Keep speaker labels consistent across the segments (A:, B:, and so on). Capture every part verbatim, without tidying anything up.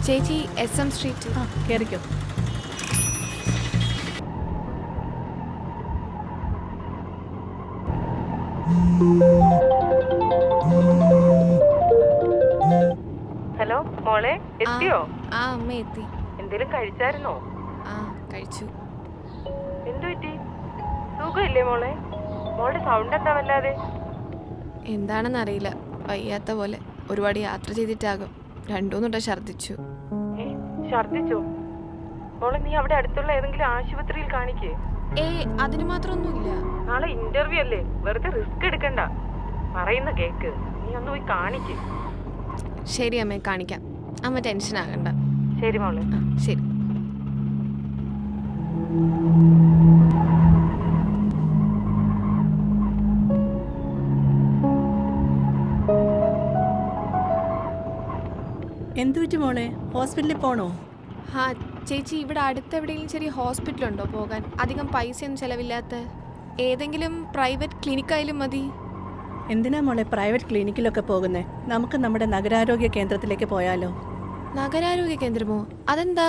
A: ചേച്ചി S M street.
B: ആ കയറിക്കോ.
C: ഹലോ മോളെ, എത്തിയോ?
A: ആ അമ്മ എത്തി.
C: എന്തേലും കഴിച്ചായിരുന്നോ?
A: ആ കഴിച്ചു.
C: എന്തു പറ്റി? സുഖമില്ലേ മോളെ? മോളുടെ സൗണ്ട് എന്താ വല്ലാതെ?
A: എന്താണെന്നറിയില്ല, വയ്യാത്ത പോലെ. ഒരുപാട് യാത്ര ചെയ്തിട്ടാകും. രണ്ടൂന്നിട്ട ഛർദിച്ചു.
C: ഏ ഛർദിച്ചോ? മോളെ, നീ അവിടെ അടുത്തുള്ള ഏതെങ്കിലും ആശുപത്രിയിൽ കാണിക്കേ.
A: ഏ അതിന് മാത്രമൊന്നുമില്ല.
C: നാളെ ഇന്റർവ്യൂ അല്ലേ, വെറുതെ റിസ്ക് എടുക്കണ്ട. പറയുന്ന കേക്ക്, നീ ഒന്ന് പോയി കാണിക്കേ.
A: ശരി അമ്മേ, കാണിക്കാം. അമ്മ ടെൻഷൻ ആകണ്ട.
C: ശരി മോളെ.
A: ആ ശരി.
B: എന്തു പറ്റി മോളെ? ഹോസ്പിറ്റലിൽ പോണോ?
A: ആ ചേച്ചി, ഇവിടെ അടുത്ത് എവിടെയെങ്കിലും ചെറിയ ഹോസ്പിറ്റലുണ്ടോ പോകാൻ? അധികം പൈസയൊന്നും ചിലവില്ലാത്ത ഏതെങ്കിലും പ്രൈവറ്റ് ക്ലിനിക്കായാലും മതി.
B: എന്തിനാ മോളെ പ്രൈവറ്റ് ക്ലിനിക്കിലൊക്കെ പോകുന്നേ? നമുക്ക് നമ്മുടെ നഗരാരോഗ്യ കേന്ദ്രത്തിലേക്ക് പോയാലോ?
A: നഗരാരോഗ്യ കേന്ദ്രമോ? അതെന്താ?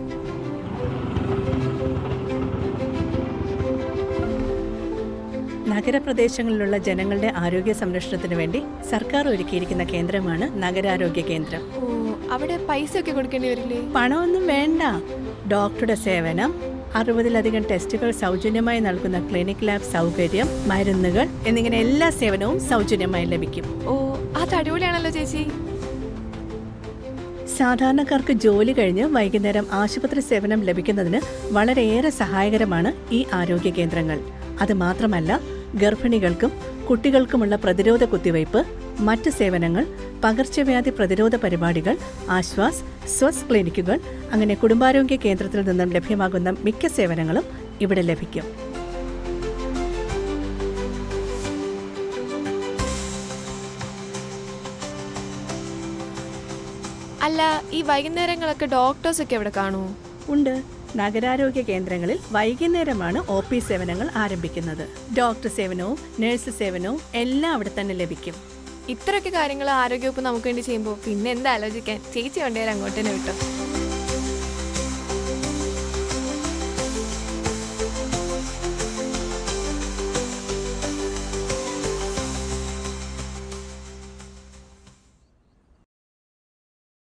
B: നഗരപ്രദേശങ്ങളിലുള്ള ജനങ്ങളുടെ ആരോഗ്യ സംരക്ഷണത്തിന് വേണ്ടി സർക്കാർ ഒരുക്കിയിരിക്കുന്ന കേന്ദ്രമാണ് നഗരാരോഗ്യ കേന്ദ്രം.
A: ഓ, അവിടെ പൈസ ഒക്കെ കൊടുക്കേണ്ടി വരില്ലേ?
B: പണമൊന്നും വേണ്ട. ഡോക്ടറുടെ സേവനം, അറുപതിലധികം ടെസ്റ്റുകൾ സൗജന്യമായി നൽകുന്ന ക്ലിനിക് ലാബ് സൗകര്യം, മരുന്നുകൾ എന്നിങ്ങനെ എല്ലാ സേവനവും സൗജന്യമായി ലഭിക്കും.
A: ഓ, അത് അടിപൊളിയാണല്ലോ ചേച്ചി.
B: സാധാരണക്കാർക്ക് ജോലി കഴിഞ്ഞ് വൈകുന്നേരം ആശുപത്രി സേവനം ലഭിക്കുന്നതിന് വളരെയേറെ സഹായകരമാണ് ഈ ആരോഗ്യ കേന്ദ്രങ്ങൾ. അത് മാത്രമല്ല, ഗർഭിണികൾക്കും കുട്ടികൾക്കുമുള്ള പ്രതിരോധ കുത്തിവയ്പ്, മറ്റ് സേവനങ്ങൾ, പകർച്ചവ്യാധി പ്രതിരോധ പരിപാടികൾ, ആശ്വാസ്, സ്വസ് ക്ലിനിക്കുകൾ, അങ്ങനെ കുടുംബാരോഗ്യ കേന്ദ്രത്തിൽ നിന്നും ലഭ്യമാകുന്ന മിക്ക സേവനങ്ങളും ഇവിടെ ലഭിക്കും.
A: അല്ല, ഈ വൈകുന്നേരങ്ങളൊക്കെ ഡോക്ടേഴ്സൊക്കെ എവിടെ കാണൂ?
B: ഉണ്ട്. നഗരാരോഗ്യ കേന്ദ്രങ്ങളിൽ വൈകുന്നേരമാണ് ഒ പി സേവനങ്ങൾ ആരംഭിക്കുന്നത്. ഡോക്ടർ സേവനവും നഴ്സ് സേവനവും എല്ലാം അവിടെ തന്നെ ലഭിക്കും.
A: ഇത്രയൊക്കെ കാര്യങ്ങൾ ആരോഗ്യവകുപ്പ് നമുക്ക് വേണ്ടി ചെയ്യുമ്പോൾ പിന്നെ എന്താ ആലോചിക്കാൻ? ചേച്ചി കൊണ്ടുവരാൻ അങ്ങോട്ട് തന്നെ വിട്ടോ.